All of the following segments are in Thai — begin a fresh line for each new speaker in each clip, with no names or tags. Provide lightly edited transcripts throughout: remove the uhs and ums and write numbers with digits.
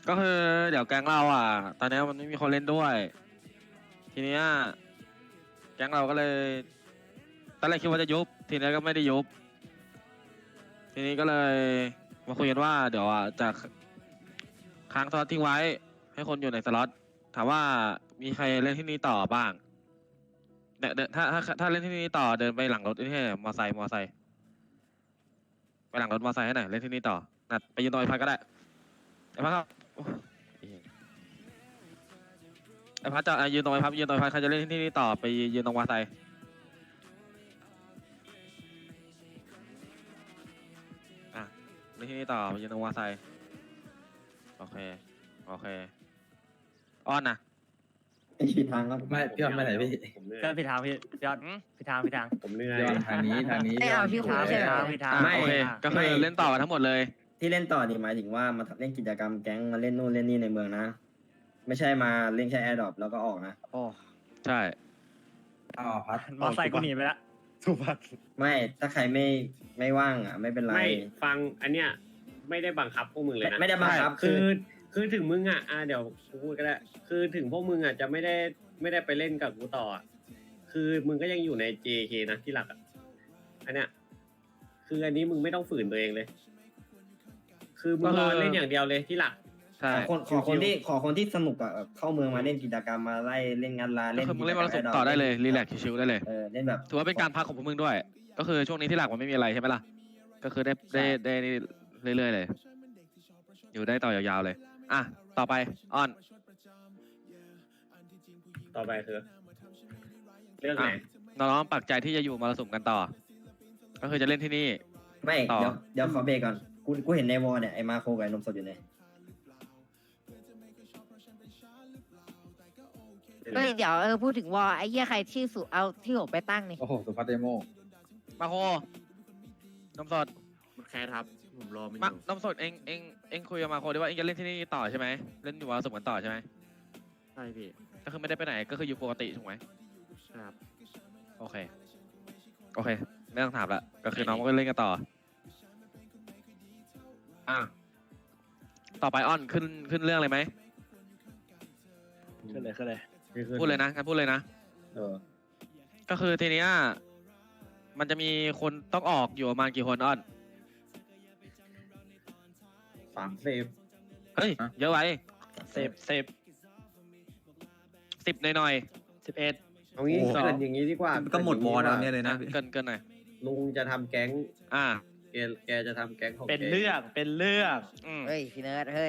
ก็คือเดี๋ยวแก๊งเราอ่ะตอนนี้มันไม่มีคนเล่นด้วยทีเนี้ยแก๊งเราก็เลยตอนแรกคิดว่าจะยุบทีนี้ก็ไม่ได้ยุบทีนี้ก็เลยมาคุยกันว่าเดี๋ยวจะค้างสล็อตทิ้งไว้ให้คนอยู่ในสล็อตถามว่ามีใครเล่นที่นี่ต่อบ้างเดินถ้าเล่นที่นี่ต่อเดินไปหลังรถนี่มอไซค์ไปหลังรถมอไซค์ให้หน่อยเล่นที่นี่ต่อนัดไปยืนตรงไอ้พักก็ได้ไอ้พักครับไอ้พักจะยืนตรงไอ้พักยืนตรงไอ้พักใครจะเล่นที่นี่ต่อไปยืนตรงมอไซค์เล่นที่นี่ต่อไปยืนตรงมอไซค์โอเคอ้อนนะ
ผิดทางครับ
ไม่พี่ออนไปไหนพี่
ผมเหนื่อย
ก็ผิดทางพี่ยอดผิดทาง
ผมเหนื่อย
พี่ออนทางนี้
ไม่เอาพี่
ผิด
คุย
ทาง
ใช่ไหม
ผิดทาง
โอเคก็คือเล่นต่อกันทั้งหมดเลย
ที่เล่นต่อนี่หมายถึงว่ามาเล่นกิจกรรมแก๊งมาเล่นนู่นเล่นนี่ในเมืองนะ ไม่ใช่มาเล่นแค่แอร์ดรอปแล้วก็ออกนะ
โอ้
ใช่
อ๋อพัด
มอไซค์กูหนีไปละ
สุภัส
ไม่ถ้าใครไม่ว่างอ่ะไม่เป็นไร
ไม่ฟังอันเนี้ยไม่ได้บังคับพวกมึงเลยนะ
ไม่ได้บังคับ
คือถึงมึงเดี๋ยวกูพูดก็ได้คือถึงพวกมึงจะไม่ได้ไปเล่นกับกูต่อคือมึงก็ยังอยู่ใน JK นะที่หลักอันเนี้ยคืออันนี้มึงไม่ต้องฝืนตัวเองเลย คือมึงรอเล่นอย่างเดียวเลยที่หลัก
ใช่
ขอคนที่สนุกอ่ะเข้าเมืองมาเล่นกิจกรรมมาไล่เล่นงานลา
ก็
เล่น
คือมึงเล่นมรสุมต่อได้เลยรีแลกซ์ชิวๆได้เลย
เล่นแบบ
ถือว่าเป็นการพักของพวกมึงด้วย ก็คือช่วงนี้ที่หลักมันไม่มีอะไรใช่ไหมล่ะก็คือได้เรื่อยๆเลย อยู่ได้ต่อยาวๆเลยอ่ะต่อไปอ้อน
ต่อไปคือเรื่องไหน
น้องๆปักใจที่จะอยู่มรสุมกันต่อ ก็คือจะเล่นที่นี่
ไม่
ต่อ
เดี๋ยวขอเบรกก่อนกูเห็นในวอลเนี่ยไอ้มาโคกับไอ้นมสดอยู่เนี่ย
เฮ้ยเดี๋ยวพูดถึงวอไอ้เหี้ยใครชื่อสุเอาที่ผมไปตั้งนี่
โอ้โหสุภัสเดโม
มาโคน้ำสด
มันแคสครับ ผมรอมันอ
มา
ยู่
น้ำสดเองคุยกับมาโคดีว่าเองจะเล่นที่นี่ต่อใช่ไหมเล่นอยู่มรสุมกันต่อใช่ไหม
ใช่พี่
ก็คือไม่ได้ไปไหนก็คืออยู่ปกติถูกไหม
ครับ
โอเคไม่ต้องถามละก็คือน้องก็เล่นกันต่อต่อไปอ้อนขึ้นเรื่องเลยไหม
ขึ้นเลย
พูดเลยนะงั้นพูดเลยนะ ก็คือทีเนี้ยมันจะมีคนต้องออกอยู่ประมาณกี่คนอ้อน
30
เฮ้ยเยอะไว้
เซฟ
10หน่อย
11
เอางี้เกินอย่างนี้ดีกว่า
ก็หมดวอร์แล้วเนี่ยเลย
ๆ
นะ
เกินหน่อย
ลุงจะทำแก๊ง
อ่า
แกจะทำแก๊งของ
เป็น
แก
เรื่อง
เฮ้ยพี่เนิร์ดเฮ้ย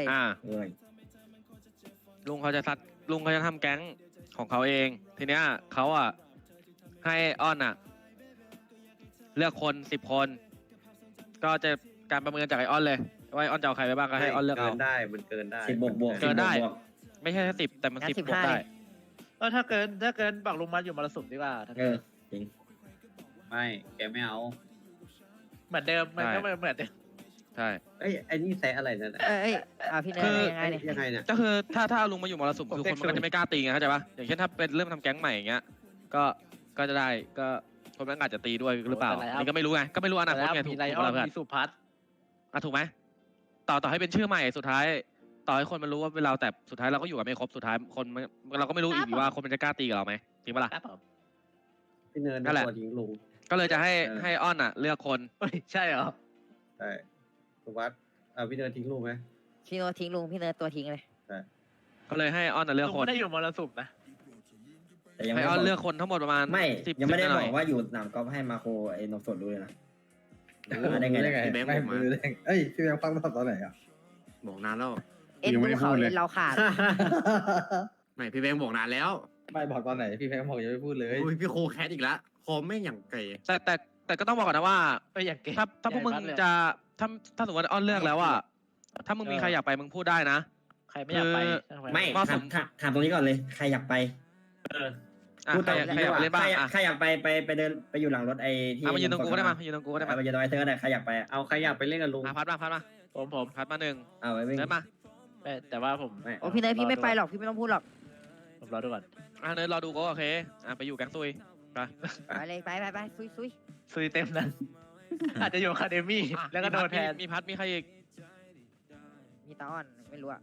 ลุงเขาจะทำแก๊งของเขาเองทีเนี้ยเขาให้อ้อนเลือกคน10 คนก็จะการประเมินจากไอออนเลยว่าไอออนจะเอาใครไปบ้างก็ให้ออนเลือกเอา
เกินได้มันเกินได้
10 บวก
เกินได้ ไม่ใช่แค่10แต่มัน
งั้น
10 บวกได้
ถ้าเกินบักลงมาอยู่มรสุมดีกว่าถ้าเกิน
จริง
ไม่แกไม่เอา
เหมือนเดิมมันก็เหมือนเดิม
ใช่
ไอ้นี่แซะอะไรนั่น
เอ้ยพี่เนิร์ดยังไงเนี่ย
ยังไงเนี่ย
ก็คือถ้าลุงมาอยู่มรสุมคือคนมันก็จะไม่กล้าตีไงเข้าใจปะอย่างเช่นถ้าเป็นเริ่มทำแก๊งใหม่อย่างเงี้ยก็จะได้ก็คนมันอาจจะตีด้วยหรือเปล่านี่ก็ไม่รู้ไงก็ไม่รู้อนาคตไงถู
มี
ก
ไล
ไห
อ
ม
อน
เพื่อน
มีสุพัฒน์
ถูกไหมต่อให้เป็นชื่อใหม่สุดท้าย ต่อให้คนมันรู้ว่าเป็นเราแต่สุดท้ายเราก็อยู่กันไม่ครบสุดท้ายคนเราก็ไม่รู้อีกว่าคนมันจะกล้าตีกับเราไหมจริงปะล่ะ
ครับผม
พี่เนิร์ด
นั่นแหละ
ตัวทิ้งลุง
ก็เลยจะให้อ้อนเลือกคน
เฮ้ยใช่เหรอ
ใช่ถูกวัดพี่เนิร์ดทิ้งลุงไหม
พี่โนตทิ้งลุงพี่เนิร์ดตัวทิ้งเลย
ก็เลยให้อ้อนเลือก
ลุง
คน
ไม่ได้อยู่มรสุมนะ
แต่ยัง
ให้
ไม่
อ้อน
บ
เลือกคนทั้งหมดประมาณ
ไม่
10
ยังไม่ได้
ห
บ
น่
อย กว่าอยู่สนามกอล์ฟให้มาโคไอ้นมสดรู้เลยนะได้ไง
พี่แบงค์บอกมา
เอ้ยพี่แบงค์ฟังตอนไหนอ่ะ
บอกนานแล้ว
ดูเขาเอ็นเราขาด
ไม่พี่แบงค์บอกนานแล้ว
ไม่บอกตอนไหนพี่แบงค์บอกยังไม่พูดเลย
โอ้ยพี่โคแคสอีกแล้วคอมไม่งอย่างไก่
แต่ก็ต้องบอกก่อนนะว่า
อย่างเก่ง
ถ้าพวกมึงจะถ้าสมมติว่าอ้อนเลือกแล้วถ้ามึงมีใครอยากไปมึงพูดได้นะ
ใครไม่อยากไป
ไม่
เหมาะสม
ถามตรงนี้ก่อนเลยใครอยากไป พูด
ใครอยากไปเล่นบ้าง
ใครอยากไปเดินไปอยู่หลังรถไอ้ที่
มายืนตรงกูก็ได้มายืนตรงกูก็ได้มา
ไปยืนตรงไอ้เธอก็ได้ใครอยากไป
เอาใครอยากไปเล่นกับลุง
พัดมา
ผม
พัดมาหนึ่ง
เอาไว้วิ่ง
เดินมา
แต่ว่าผม
โอ้พี่เนิร์ดพี่ไม่ไปหรอกพี่ไม่ต้องพูดหรอก
ผมรอดูก่อน
เนินรอดูก็โอเคไปอยู่แก๊งซุยไป
ไปเลยไปซุย
ซุยเต็มนั้น อาจจะอยู่คาเดมี่แล้วก็โดนแทน
มีพัดมีใครอีก
มีตาอ้อนไม่รู้อะ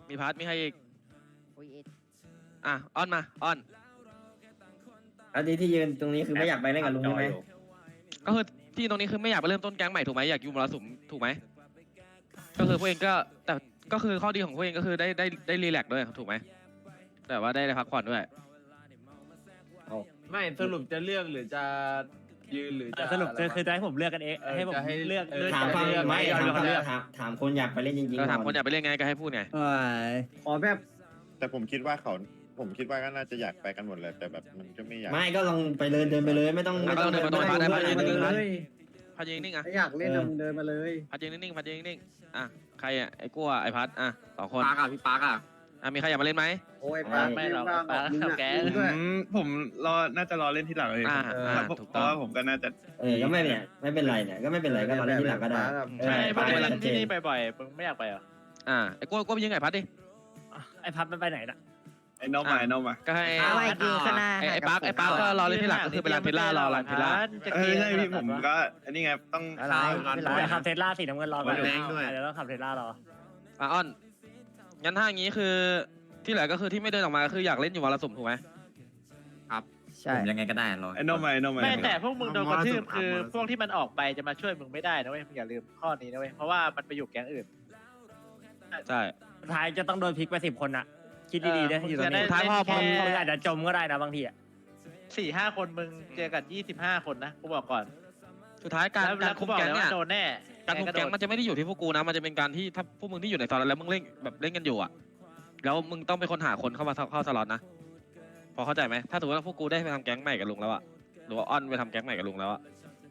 มีพัดมีใครอีก
โอ้ยเอ็ด
อ่ะอ้อนมาอ้อน
อันนี้ที่ยืนตรงนี้คือไม่อยากไปเล่นกับลุงใช่ไหม
ก็คือที่ตรงนี้คือไม่อยากไปเริ่มต้นแก๊งใหม่ถูกไหมอยากอยู่มรสุมถูกไหมก็คือพวกเองก็แต่ก็คือข้อดีของพวกเองก็คือได้รีแลกซ์ด้วยถูกไหมแต่ว่าได้พักผ่อนด้วย
ไม่สรุปจะเลือกหรือจะยืนหรือจะ
สรุปคือจะให้ผมเลือกกันเองให้ผม
จะให้
เลือก
ถามฟังไม่
ยอ
ถาม
มเลือก
ถามคนอยากไปเล่นจริงๆ
ก็ถาม
ก่
คนอยากไปเล่นไงก็ให้พูดไง
ขอแบบ
แต่ผมคิดว่าก็น่าจะอยากไปกันหมดเลยแต่แบบมันก็ไม่อยาก
ไม่ก็ลองไปเลยเดินไปเลยไม่ต้อง
เดินไปตรงพัดได้พัด
เดิ
ยืน
น
นิ่ง
มา
ๆพัด
เลย
พัดยืนนิ่งๆอ่ะ
ถ้าอยากเล่นมึงเดินมาเลย
พัดยืนนิ่งๆพัดยืนนิ่งๆอ่ะใครอ่ะไอ้กั้วไอ้พัดอ่ะสองคน
ปาร์กอ่ะพี่ปาร์กอ่ะ
อ่ะมีใครอยากมาเล่นไหม
โอ้ยปา
ไม่หรอก
บ้าง
ปา
มึง
เข้า
อะ
แก๊ง
มึงด้วย
ผมน่าจะรอเล่นที่หลังเลย
อ่า
เพราะว่าผมก็น่าจะ
ก็ไม่เนี่ยไม่เป็นไรเนี่ยก็ไม่เป็นไรก็มาเล่นที่หลังก็ได้
ใช่
ไป
พวกมึง
ชัดเจ
ที่
น
นี่บ่อยๆมึงไม่อยากไปเหรอ
อ่ะไอ้กั้วไปยืนไงพัดดิ
ไอ้พับมันไปไหนน่ะ
ไอ้น้องมา
ก็ให้
เอาไว้ยืนข้างหน้า
ไอ้ปาร์คก็รอเล่นที่หลังก็คือไปร้านเพลล่ารอร้านเพลล่า
จะกิน
อันนี้ไงต้อง
อะไรแต่ขับเทสลาสีน้ำเงินรอก่อน
แรงด้วย
เดี๋ยวต้องขับเทสลารอ
อ่ะอ้อนงั้นถ้าอย่างนี้คือที่เหลือก็คือที่ไม่เดินออกมาก็คืออยากเล่นอยู่วันละสุ่มถูกไหม
ใช่
ผมยังไงก็ได้รอ
ไอ้น้องมา
ไม่แต่พวกมึงโดนกระทืบ
มอส
คือ
มอส
พวกที่มันออกไปจะมาช่วยมึงไม่ได้นะเว้ยมึงอย่าลืมข้อนี้นะเว้ยเพราะว่ามันไปอยู่แก๊งอื่น
ใช่
สุดท้ายจะต้องโดนพลิกไป10 คนน่ะ คิดดีๆด้วยอยู่ตรงนี้
สุดท้ายพอ
มึงอาจจะจมก็ได้นะบางทีอ่ะ
4-5 คนมึงเจอกัน25 คนนะกูบอกก่อน
สุดท้ายการ
แล้ว
คุ
กู
ม
บอก
แก๊ง
เลย
เนี่ย
ว่าโดนแน่
การคุมแก๊งมันจะไม่ได้อยู่ที่พวกกูนะมันจะเป็นการที่ถ้าพวกมึงที่อยู่ในตอนนั้นแล้วมึงเล่นแบบเล่นกันอยู่อ่ะแล้วมึงต้องเป็นคนหาคนเข้ามาเข้าสล็อตนะพอเข้าใจไหมถ้าถือว่าพวกกูได้ไปทำแก๊งใหม่กับลุงแล้วอ่ะหรือว่าอ้อนไปทำแก๊งใหม่กับลุงแล้วอ่ะ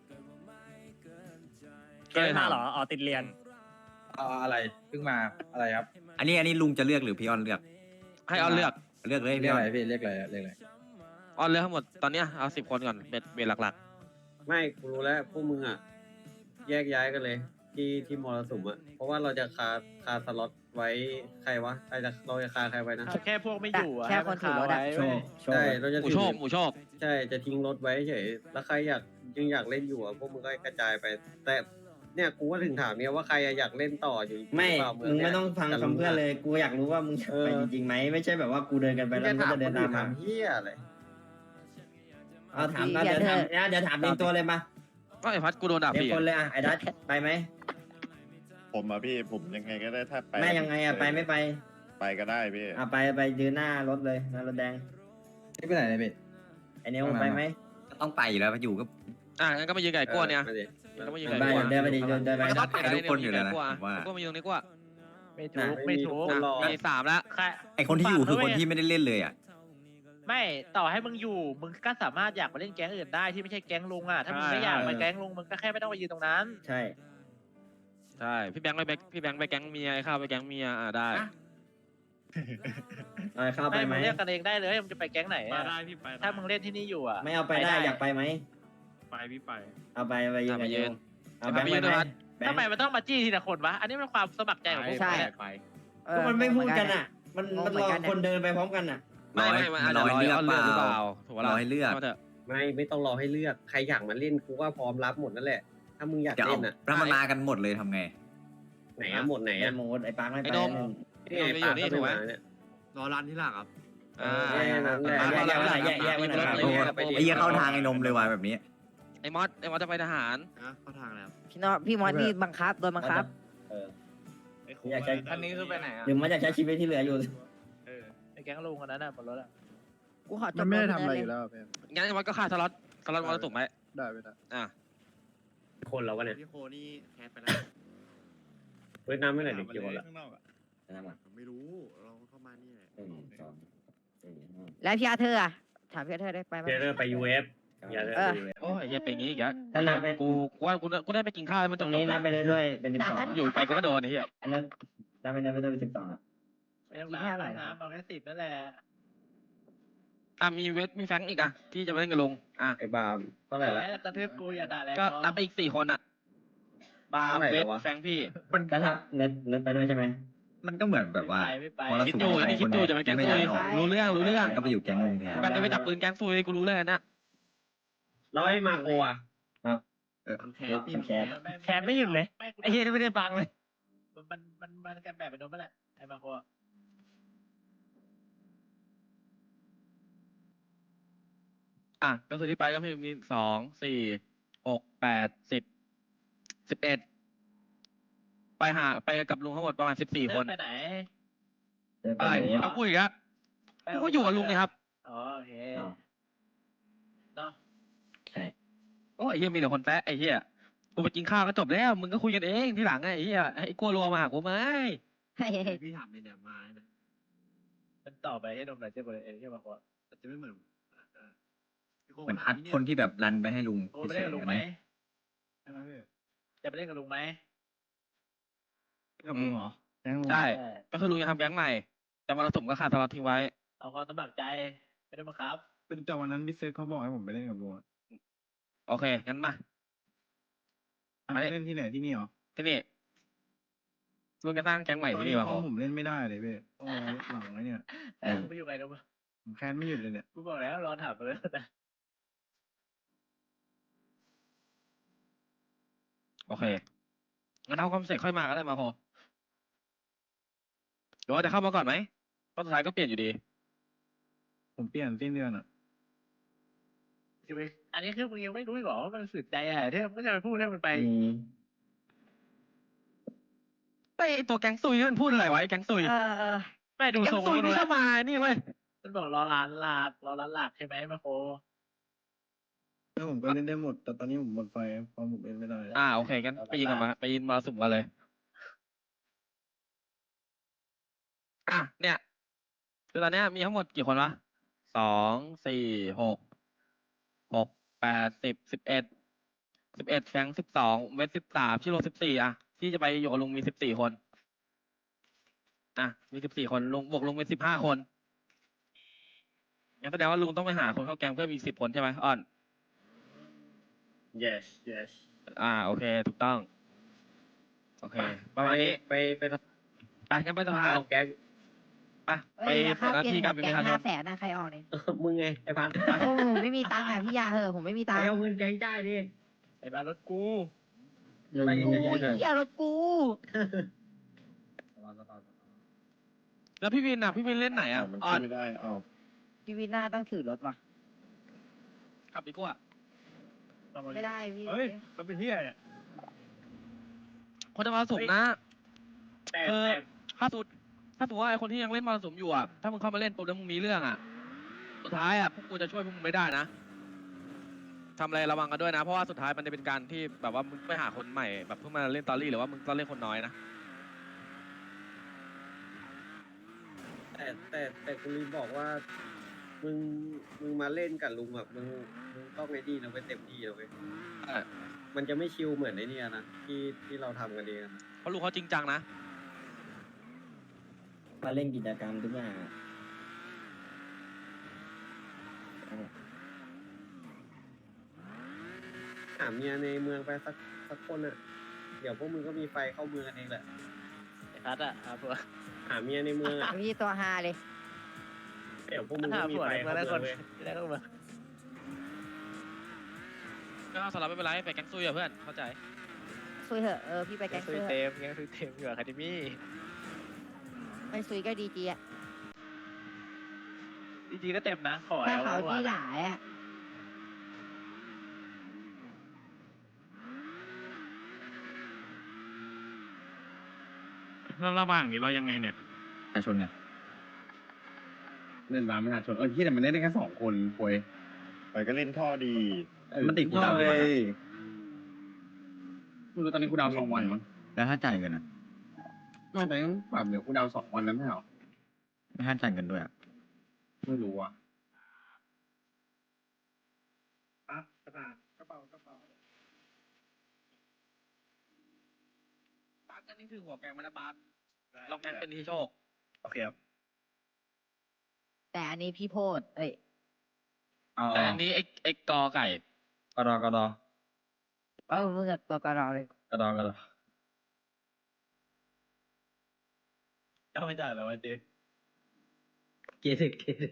เกมมาเหรออ๋อติดเรียน
อะไรเพิ่งมาอะไรครับ
อันนี้ลุงจะเลือกหรือพี่ออนเลือก
ให้อ้อนเลือก
เลือกเลย
เรีย
พี่
ก
อ
อะ
อน
ไรพี่เรียกอะไรเรียกอะไร
อ้อนเลือกทั้งหมดตอนเนี้ยเอา10 คนก่อนเป็นหลัก
ไม่กูรู้แล้วพวกมึงอ่ะแยกย้ายกันเลยที่มรสุมอ่ะเพราะว่าเราจะคาสล็อตไว้ใครวะเราจะคาใครไว้นะ
แค่พวกไม่อยู่อะ
แค่คนถือรถอะ
โชคโชค
ใช่เราจะ
ๆหมู
ถื
โชคหมูโชค
ใช่จะทิ้งรถไว้เฉยแล้วใครยังอยากเล่นอยู่อ่ะพวกมึงก็กระจายไป แต่เนี่ยกูก็ถึงถามเนี่ยว่าใครอยากเล่นต่ออยู่
ไม่
หรือเปล่า
มึงไม่ต้องฟังคำเพื่อนเลยกูอยากรู้ว่ามึงจะไปจริงๆไหมไม่ใช่แบบว่ากูเดินกันไป
ไม่
แล้ว
ได้
มึงก็
ถาม
จะ
ค
เดิน
น
ตา
อื่
มมา
นถามเฮียอะไร
เอาถามเดี๋ยวถามเดี๋ยวถามเรียงตัวเลยมา
ก็ไอ้พัดกูโดนด่า
เรีย
ฟรี
งคนเลยอ่ะไอ้ดัชไปไหม
ผมพี่ผมยังไงก็ได้ถ้าไป
แม่ยังไงอ่ะไปไม่ไป
ไปก็ได้พี่
อ่ะไปยืนหน้ารถเลยหน้ารถแดง
นี่ไปไหนเนี่ยพี่
ไอ้เนี้ยมึงไปไหม
ก็ต้องไปอยู่แล้วอยู่ก็
งั้นก็มายืนไก่กลัวเนี่ย
มาดิ
ก็มายืน
ไป
ไก่กลัว
เดินไปดิเดินไป
มันก็
นะ
ต้องไป
ทุกคนอยู่แล้วนะ
กลัว
ผมว่า
กลัวมายืนตรงนี้กลัว
ไม่ถูกไม่ถูก
คนรอ
มี3แล้ว
ใคร
ไอคนที่อยู่คือคนที่ไม่ได้เล่นเลยอ่ะ
ไม่ต่อให้มึงอยู่มึงก็สามารถอยากมาเล่นแก๊งอื่นได้ที่ไม่ใช่แก๊งลุงอ่ะถ้ามึงไม่อยากมาแก๊งลุงมึงก็แค่ไม่ต้องมายืนตรงนั้น
ใช่
ใช่พี่แบงค์ไปแก๊งเมียไอ้ข้าวไปแก๊งเมียได้
เอาเข้าไป
ไม่
ไหม
มึงเรียกกันเองได้เลยมึงจะไปแก๊งไหน
มา
อะ
ได้พี่ไป
ถ้ามึงเล่นที่นี่อยู่อ่ะ
ไม่เอาไปได้อยากไปไหม
ไปพี่ไป
เอาไปยืน
ไปยืน
เอาแบงค์ไปไหมแบง
ทำไม
ค์
มันต้องมาจี้ทีละคนวะอันนี้มันความสมัครใจของพวก
ใช่
มึงเนี่ย
ไป
ก็มันไม่พูดกันอ่ะ มันรอคนเดินไปพร้อมกันอ่ะ
ไม่อาจจะรอให้เลือกหรือเปล่าถูก
รอให้เลือก
เถอะ
ไม่ต้องรอให้เลือกใครอยากมาเล่นกูก็พร้อมรับหมดนั่นแหละ ถ้ามึงอยาก
เดี๋ยว
เล่นอ่ะ
แล้วมันมากันหมดเลยทำไง
ไหนอะหมดไหน
ไอ้
อะ
โมดไอ้ปาร์คไม่ไป
นี่ไงปากเขาไปมาเนี่ย
รอร้านที่หลังครับ
แยกไว้หน่อย
ไอ้เหี้ยเข้าทางไอ้นมเลยว่ะแบบนี้
ไอ้มอสจะไปทหาร
เข้าทางแล้ว
พี่มอสนี่บังคับโดนบังคับ
อยากใช้
อันนี้คือไปไหนอ่ะ
หรือมันอยากใช้ชีวิตที่เหลืออยู่
ในแก๊งลุงคนนั้นน่ะบนรถอ่ะ
กูขอจบ
มันไม่ได้ทำอะไรอยู่แล้วเ
งั้นไอ้มอสก็ฆ่าสล็อตมอสถูกไหม
ได้ไม่ได้
คนเราวะเนี่ย
พี่โคนี่แคสไปแล้ว
เวียดนามไม่ไหนเด็กกี่คนละ
ไม่รู้เราเข้ามานี่แหละ
แล้วพี่อาเธอร์อะถามพี่อาเธอร์ได้ไปไหม
เดี๋ยวไป UF อย่าเลย
โอ้ยอย่าเป็นอย่างนี้อีกแล้ว
ถ้านับไป
กูได้ไปกินข้าวมัน
ตรงนี้นับไปเรื่อยๆเป็น12
อยู่ไปกูก็โดนไอ้เหี้ย
อันนั้นนับไปเรื่อยๆเป็น12อ่ะ
ไม่ต้องน้ำเอาแค่10นั่นแหละ
มีมีแฟงอีกที่จะมาเล่นกับลุง
ไอ้บามเท่าไหร่ละ
กระทืบกูอย่าด่าแรง
ก็นับไปอีก4 คนบาร์เวทแฟงพี่
ก็นับเน็ตไปด้วยใช่ไหม
มันก็เหมือนแบบว่า
ไม่ไป
มร
คิด
สุม
ดูนี่คิดดูจะไปแก๊ง
ไม่
ซุ
อยาย กออก
รู้เรื่อง
ก็ไปอยู่แก๊งนึงแทน
กันจะไปจับปืนแก๊งซุยกูรู้เรื่องนะ
แล้วไอ้มาโกอะ
แคส
แคสไม่หยุดเลยไอ้เหี้ยนี่ไม่ได้ฟังเลย
มันกันแบบไปโดนไปแหละไอ้บางคน
ก็คือที่ไปก็มีสองสี่หกแปด11ไปกับลุงทั้งหมดประมาณ14 คน
ไปไหน
อะไรเอาพูดอีกแล้วกูก็อยู่กับลุงเลยครับ
อ๋อโอเคเนาะ
โอ้ยไอ้เฮียมีแต่คนแปะไอ้เฮียกูไปกินข้าวก็จบแล้วมึงก็คุยกันเองที่หลังไอ้เฮียไอ้กลัวรัวมาหากูไหม
พี่ถามในเนี่ยมาเนี่ย
มันต่อไปให้นมหน่อยเจ้าบริเองใช่ไหมวะ
แต่จะไม่เหมือนพี่โค้ง
เหมือนอัดคนที่แบบรันไปให้ลุง
โอ้ไปเล่นกับลุงไหม
ใช่ไหมพี่
จะไปเล่นกับลุงไหม
กับลุงเหรอแก๊งลุง
ใช่ก็คือลุงจะทำแก๊งใหม่แต่มรสุมก็ขาดสล็อตทิ้งไว้
เอาความสมัครใจไม่ได้บังคับ
เป็นแต่วันนั้นพี่เซฟเขาบอกให้ผมไปเล่นกับลุงอะ
โอเคงั้นมา
ไปเล่นที่ไหนที่นี่เหรอ
ที่นี่ลุงจะสร้างแก๊งใหม่ที่นี่วะ
เพ
โห
ราะผมเล่นไม่ได้เลยพี่โอ้ยหลังไอ้เนี่ย
ไม่อยู่ไงนะมึง
ผมแค้นไม่หยุดเลยเนี่ย
กูบอกแล้วรอถามไปเลยนะ
โอเคงั้นเอาความเสร็จค่อยมาก็ได้มาโหหรือว่าจะเข้ามาก่อนไหมเพราะสุดท้ายก็เปลี่ยนอยู่ดี
ผมเปลี่ยนสิ้นเดือนอ่ะ
อยู่ไปอันนี้คือมึงยังไม่รู้อีกเหรอว่ามันสุดใจอะที่มึงจะไปพูดให้มันไป
ไอตัวแก๊งซุยนี่มันพูดอะไรวะไอแก๊งซุย
ไม่ดู
แก๊
ทรง
งซุย
มัน
นี่เข้ามานี่เว้ย
มันบอกรอร้านหลักใช่ไหมมาโค
แล้วผมก็เล่นได้หมด แต่ตอนนี้ผมหมดไฟเพราะผมเล่นไม่ได้
โอเคงั้นไปยิงกันมาไปยิงมาสุ่มกันเลยเนี่ยคือตอนเนี้ยมีทั้งหมดกี่คนวะ2 4 6 8 10 11แฟง12เวท13ชิโร่14ที่จะไปอยู่กับลุงมี14 คนมี14 คนลุงบวกลุงเป็น15 คนงั้นแสดงว่าลุงต้องไปหาคนเข้าแก๊งเพื่อมี10 คนใช่ไหมอ้อน
yes yes
โอเคถูกต้องโอเคประมาณนี้
ไป
งั้นไปสภา
เอาแก๊ง
ไปเปิดหน้าที่การเป็นประชาชน
500,000นะใครออกเนี่ย
มึงไงไอ้พัน
โอ้ผมไม่มีตังค์อ่ะพี่ยาเหอะผมไม่มีตังค์
เอาเงินแก๊งจ่ายดิ
ไอ้บ้านรถกู
ไป
โอ้ยอย่ารถกู
แล้วพี่วินพี่วินเล่นไหน
มัน
อ้อ
ขึ้
น
นไม่ได้อ้าว
พี่วิน่าต้องถือรถว่ะ
ขับดีกว่า
ไม่ได้พี่
เฮ้ยมันเป็นที่อะไรเนี่ย
คนจะมาสุ่มนะ
แต่
ถ้าสมมติว่าไอคนที่ยังเล่นมาสุ่มอยู่ถ้ามึงเข้ามาเล่นปุ๊บแล้วมึงมีเรื่องสุดท้ายพวกกูจะช่วยพวกมึงไม่ได้นะทำอะไรระวังกันด้วยนะเพราะว่าสุดท้ายมันจะเป็นการที่แบบว่ามึงไปหาคนใหม่แบบเพิ่งมาเล่นตอรี่หรือว่ามึงต้องเล่นคนน้อยนะ
แต่คุณลืมบอกว่า มึงมาเล่นกับลุงแบบมึงต้องไอ้นี่นะเว้ยเต็มที่นะเว้ยมันจะไม่ชิลเหมือนไอ้นี่นะที่เราทำกันเองนะ
เพราะลูกเขาจริงจังนะ
มาเล่นกิจกรรมทุกอย่าง
หาเมียในเมืองไปสักคนอ่ะ เดี๋ยวพวกมึงก็มีไฟเข้าเมืองกันเองแหละ
ไอ้พัดอะครับผม
หาเมียในเมืองอ่ะ
พี่ตัวฮาเลย
เดี๋ยวพวกมึง
ถ้า
ก็มี
ผัว
ไฟ
ในเมือ
เข้าง
ได้
เมื
ค
อน งเว้ย
ได้ก็มา
ก็สลับไม่เป็นไรไปแก๊งซุยเพื่อนเข้าใจ
ซุยเหอะพี่ไป
แก
แก๊
ง
ง
ซุ
ซุ
ย
ย
เต็มแกงซุยเต็มอยู่อะคาเดมี่
ไม่ซุยก็ดีจีอ่ะ
จริงๆก็เต็มนะขอ
ถ้า
เอา
เขาที่หลายอ่ะ
แล้วระหว่างนี้เรายังไงเนี่ย
ประชาชนไง
เล่นร้านประชาชนที่แต่มันเล่นได้แค่2 คนป่วย
ไปก็เล่นท่อดี
มันติดกูดาวน์กี่วันอะ
ไม่รู้ตอนนี้กูดาว2 วันมั้ง
แล้วถ้าจ่ายเงินอะ
ไม่แต่ยังแบบเดี๋ยวกูดาว2 วันแล้วไม่เหรอ
ไม่ให้จ่ายเงินด้วยอะ
ไม่รู้อ่ะ
ปาร์ตนี่คือหัวแก๊งมันนะปาร์ตเราแก๊งเป็นที่โชค
โอเคครับ
แต่อันนี้พี่โพด
แต่อันนี้ไอ้กอไก่
กระดอกระดอ
มึงกับตัวกระรอเลย
กระดอกระดอ
ก็ไม่จ่ายแล้ววันเดียว
เกสิเกสิ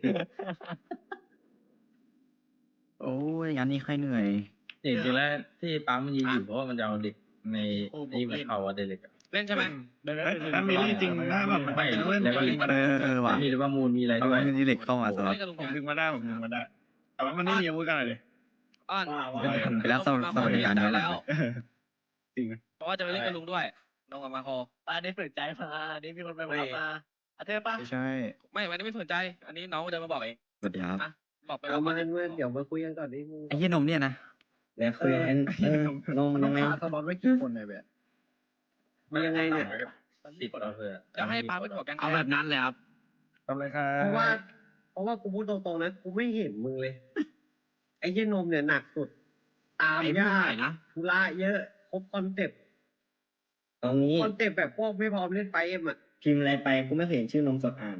โอ้ยงานนี้ใครเหนื่อย
จริงๆแล้วที่ปั๊มมันยืนอยู่เพราะว่ามันจะเอาเด็กในนี่มันเข้าว่าเด็ก
เล่นใช่ไหม
ถ้ามีจริงนะแบบไม่แล้วก็
ว่ะ
มีหรือว่ามูลมีอะไรด้วย
เอาเงินที่เหล็กเข้ามาสำหรับ
เล่นกับลุง
ผมดึงมาได้
แต่ว่ามันไม่มีอาวุธกันเลย
อ้อน
ไปแล้วสวัสดิการเยอะ
แล้ว
จริง
เพราะว่าจะไปเล่นกับลุงด้วยน้องกับมาโค
อันนี้ฝืนใจมาอันนี้มีคนไปบอกมาอาเธอป่ะ
ไม่ใช่
ไม่วันนี้ไม่สนใจ อันนี้น้องเดินมาบอกเอง
สวัสดีครับ
อ่ะบอกไป
เอา
ว่า
มาเดี๋ยวมาคุยกันก่อนดิมึง
ไอ้เหี้ยนมเนี่ยนะ
เดี๋ยวคุยกันลงมันยังไง
สล็อตไว้กี่คนเลยแบบ
มันยังไงเนี่ย
ติดเราเถอะ
จะให้ปาเป็นหัวแกง
เอาแบบนั้นเลยครับทำเลยครั
เพราะว่ากูพูดตรงๆนะกูไม่เห็นมึงเลย ไอ้เหี้ยนมเนี่ยหนักสุด ตามยากธุระเยอะครบคอนเซ็ปต์
ตรงนี้
คอนเซ็ปต์แบบพวกไม่พร้อมเล่นไฟเอ็มอ่ะ
พิมพ์อะไรไปกูไม่เคยเห็นชื่อนมสดอ่าน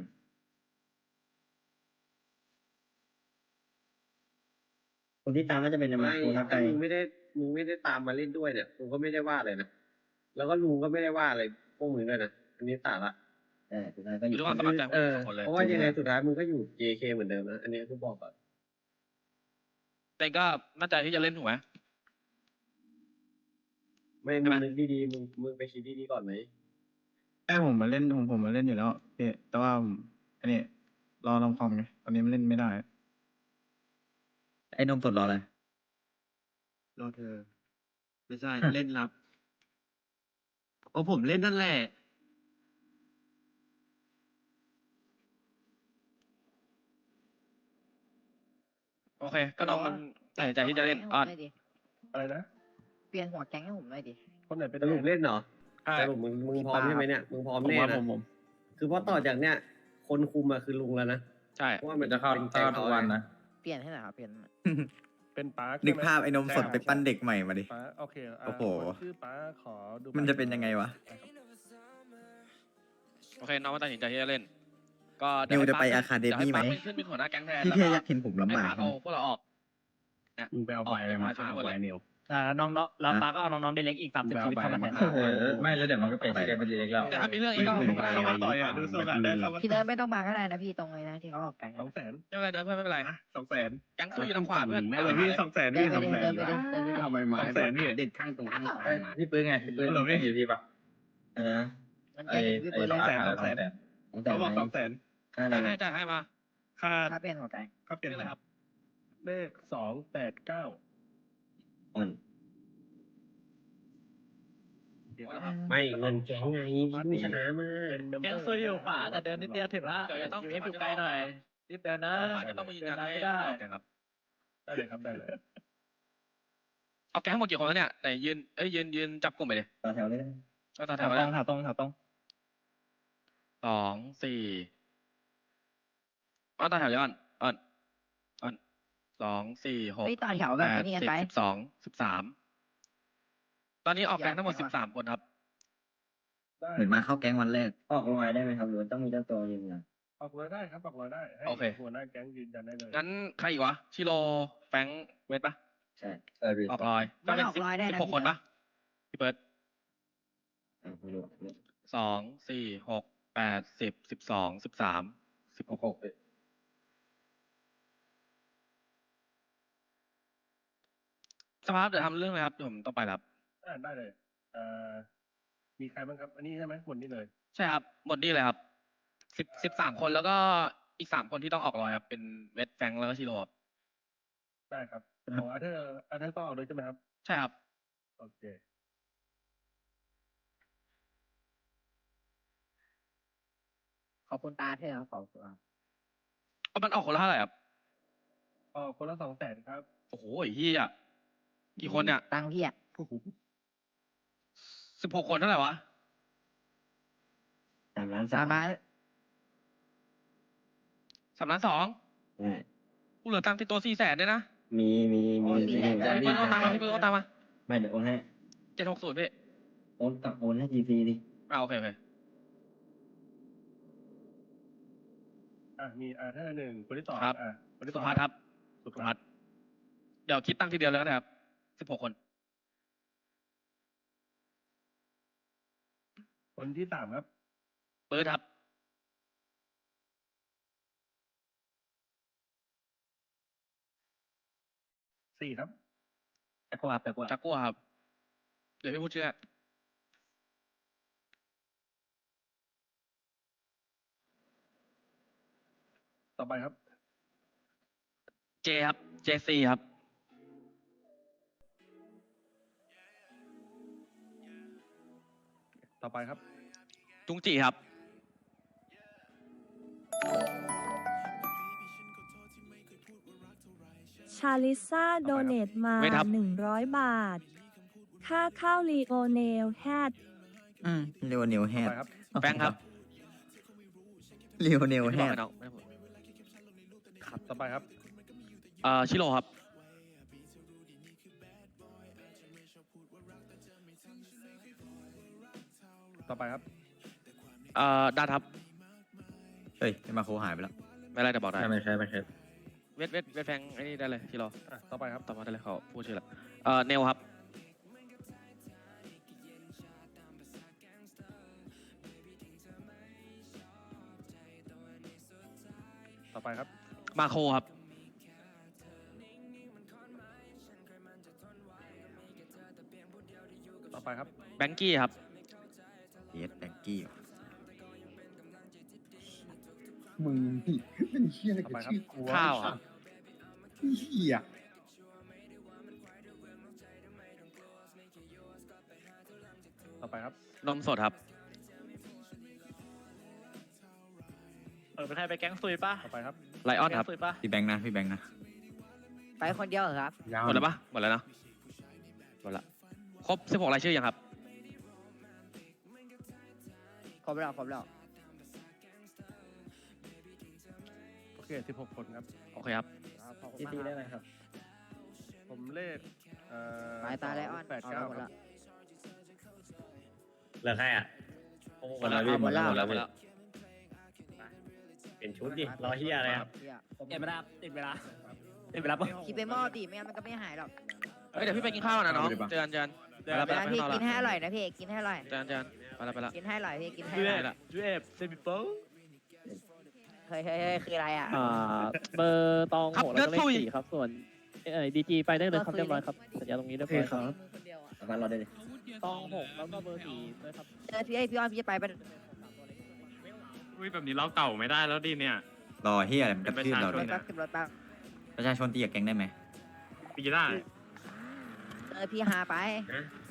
คนที่ตามน่าจะเป็นมา
ไม่
คูทับไป
ถ้ามึงไม่ได้ตามมาเล่นด้วยเนี่ยกูก็ไม่ได้ว่าเลยนะแล้วก็ลุงก็ไม่ได้ว่าอะไรพวกมึงด้วยนะอันนี้สาระ
สุดท้ายก็อ
อยู่
ยู่
ด้วยความสมัครใจ
เออ
คนเลย
เพราะว่ายังไงสุดท้ายมึงก็อยู่ JK เหมือนเดิมนะอันนี้กูบอกก่อน
แต่ก็มั่นใจที่จะเล่นถูกไหม
ไม่มึงนึกดีๆมึงไปคิดดีๆก่อนไหม
แม่ผมมาเล่นผมมาเล่นอยู่แล้วพี่แต่ว่าอันนี้รอลำคอมไงตอนนี้มันเล่นไม่ได้ ไอ้นมสดรออะไร
รอเธอ ไม่ใช่ เล่นรับโอ้ผมเล่นนั่นแหละ
โอเค ก็น้องมันตัดสินใจที่จะเล่นอ้อน
อะไรนะ
เปลี่ยนหัวแก๊งให้ผมหน่อยดิ
คนไหนเป็น
สรุปเล่นเหรอ
ใช่
สรุปมึงพร้อมใช่ไหมเนี่ยมึงพร้อมแน่นะคือเพราะต่อจากเนี้ยคนคุมอะคือลุงแล้วนะ
ใช่
เพราะว่ามัน
จะเข้า
เป็นแก
เข้าง ทุ
เขา
กวันนะ
เปลี่ยนให้หน่อยครับเปลี่ยนให้หน่อย
เป็นป้า
นึ
นึ
กภาพไอ้นมสดไปปั้นเด็กใหม่มาดิ
ป้าโอเค
โอ้โห
คนชื่อป้าขอดู
มันจะเป็นยังไงวะ
โอเคน้องมันตัดสินใจที่จะเล่น ก็
นิวจะไป Academy ไหม
เดี๋ยวให้ปาร์คขึ้นเป็นหัวหน้าแก๊งแทน
พี่
แล้ว
แค่
ก็
อยากเห็นผมลำ
ให้
บาก
ปาร์คเอาพวกเราออก
มึงไปเอาใบอะไรมาฆ่าไว้นิว
น้องๆแล้วป้าก็เอาน้องๆเด็กๆอีก30ชีวิตเข้ามาแทน
ไม่แล้วเดี๋ยวมันก็เปลี่ยนชื่อเป็นดีเล็กแล้ว
แต่ถ้ามีเรื่องอีกก็
เข้ามาต่อยอ่ะดูทรงอ่ะได้เข้ามา
พี่เดินไม่ต้องมาก็ได้นะพี่ตรงเลยนะที่เขาออกแก๊ง
200,000
ไม่เป็นไรเดินเพื่อนไม่เป็นไร
200,000
แก๊งสู้อยู่ทางขวาเพื่อน
แม่เลยพี่200,000
เดิ
พี่
นไปดิเดินไปดิ
200,000
เดินไปดิ
ทำไมมา200,000พี่เด็ดข้างตรงข้าง
พี่ปื้นไงพี่ปื้นอยู่พี่ปะ
นะ
มัน
ไอ้
แก๊งพี่
ไอ้
เปิดเลย
200,000
ตั้งแต่
เขาบอก
ไหน
200,000
อะไร
ให้
นะ
จ่ายให้มา
ค่า
ถ้าเปลี่ยนหัวแก๊ง
เปลี่ยนอะไรครับเลข289
อ่อน
ไม่เงินแก๊งไงมึงชนะมา
แก๊งซุยอยู่ขวาแต่เดินนิดเดียวถึงละ
เดี๋ยวจะต้อง
อยู่ให้อยู่ไกลหน่อยรีบเดินนะ
จะต้องมายืน
เดิ
ยั
น
น
นะ
ให้
ไม่ได้
ครับ
ได้เลยครับได้เลย
เอาแก๊งหมดกี่คนแล้วเนี่ยไหนยืนจับกลุ่มไปเลย
ต่อแถวเลย
ก็ต่อแถ
แถ
ว
ว
แล้
ตรงแถวตรงแถวตรง
2 4อ้อนต่อแถวย้อนอ้อน2 4 6
เฮ้ยต่อแถวแบบ
8
นี้กันไป
10 12 13ตอนนี้ออกแก๊งทั้งหมด13คนครับ
เหมือนมาเข้าแก๊งวันแรก
ออกรอยได้ไหมครับหรือว่าต้องมีเจ้าตัวยืนยัน
ออกรอยได้ครับออกรอยได้ให้
โอเค
หัวหน้าแก๊งยืนยันได้เลย
งั้นใครอีกวะชิโร่แฟรงค์เวทปะ
ใช่
พี่
ออกลอย
มันออกลอยได้นะ
16คนปะพี่เปิด
ไม่รู้
2 4 6 8 10 12 13 16 สภาพเดี๋ยวทำเรื่องอะไรครับเดี๋ยวผมต้องไปแล้วครับ
ได้เลยมีใครบ้างครับ อันนี้ใช่ไหมหมดนี่เลย
ใช่ครับหมดนี่เลยครับ13คนแล้วก็อีก3คนที่ต้องออกลอยครับเป็นเวทแฟรงค์แล้วก็ชิโร่ครับ
ได้ครับของอาเธอร์ต้องเอาด้วยใช่ไหมครับ
ใช่ครับ
โอเค
ขอบคุณตาเธอครับขอบคุณครับ
เอามันออกคนละเท่าไหร่ครับ
คนละ200,000ครับ
โอ้โหไอ้เหี้ยกี่คนเนี่ย
ตังค์พี่อ่ะ
16 คนเท่าไหร่วะ
3 ล้าน
สามารถ
3 ล้าน 2
ใช่
กูเหลือตังค์ติดตัว4 แสนด้วยนะ
มี
พี่เปิ้ลเอาตังค์มาพี่เปิ้ลเอาตังค์มา
ไม่เดี๋ยวโอนให้
760พี่
โอนให้ GC ดิ
โอเค
มีอาเธอร์1คนที่2
ครับ
คนที่
สุ
2
ภัทรครับสุภัทรเดี๋ยวคิดตังค์ทีเดียวเลยก็ได้ครับ16 คน
คนที่3ครับ
เปิดครับ
4ครับ
แต่กว่าแต่กว่า
จักกัวครับ เดี๋ยวพี่พูดชื่อ
ต่อไปครับ
เจครับ JC ครับ
ต่อไปครับ
จุงจีครับ
ชาลิซ่าโดเนตมา
เวทครับ
100 บาท ค่าข้าวลีโอเนลแฮด
เรวเนลแฮ
ต่อ
ด
ไปครับ
แบงค์ครับ
เรวเนล
ไม่
แฮ
บอก
ด
ให้น้องไม่ได้พูด
ต่อไปครับ
ชิโร่ครับ
ต่อไปครับ
ดัดครับ
เฮ้ยมาโคหายไปแล้ว
ไม่เป็นไรแต่บอกได้
ไม่ใช่ไม่ใช่
เวทแฟงไอ้นี่ได้เลยชิโร่
ต่อไปครับ
ต่อมาได้เลยเขาพูดชื่อละเนลครับ
ต่อไปครับ
มาโคครับ
ต่อไปครับ
แบงกี้ครับ
เยสแบงกี้
มึงนี่เป็นเฮียอะไรกับชื่อกูวะ
ข้าวครับ
เฮีย
ต่อไปครับ
นมสดครับ
เป็นใครไปแก๊งซุยปะ
ต่อไปครับ
ไลออนครับ
แก๊งซุยปะ
พี่แบงค์นะพี่แบงค์นะ
ไปคนเดียวเหรอครับ
ยาว
หมดแล้วปะหมดแล้วเนาะหมดละครบ16รายชื่อยังครับ
ครบแล้วครบแล้ว
โอเค 16 คนครับ
โอเคครับ
ที่ตีได้ไหมครับ
ผมเลข
หมายตาไลออน
8
เอา
9
หมด
ครั
ละ
บ
เหลือใครอ่ะ
หมดแล้วหมดแล้วหมดแล้วหมดแล้ว
เป็นชุดดิรอเฮียอะไรครับ
ติดเวลาติดเวลาติดเวลาปะ
คิดไปหม้อดิไม่งั้นมันก็ไม่หายหรอก
เฮ้ยเดี๋ยวพี่ไปกินข้าวนะน้องเจอกันไปแล้วไป
เว
แล้ว
ลา
ไป
พี่
ข้างนอก
กินให้
ละ
อร่อยนะพี่กินให้อร่อย
เจอกันไปแล้วไปแล้ว
กินให้อร่อยพี่กินให้
จู
อ
เอ
ร่อย
ฟจูเอฟเซมิเปิล
เฮ้ยคืออะไรอ่ะ
เบอร์ตอง
ครับ
โห
เลื
แล้
อ
ว
ด
ก็เลข
ซุย
4ครับส่วนดีจีไปได้เลยครับเรียบร้อยครับสัญญาตรงนี้เรียบร้อยครับ
เอาฟันรอได้เลย
ตอง6แล้วก็เบอร์4ด้วยครับ
พี่อ้อนพี่จะไปปะ
อุ้ยแบบนี้เราเก่าไม่ได้แล้วดิเนี่ย
รอเฮียอะไรมันกระทืบเรา
ร
เล
ถ
ย
แป๊บขึ้นรถแป๊บ
ประชาชนตีกับแก๊งได้ไหม
ปีได้
พี่หาไป
นะ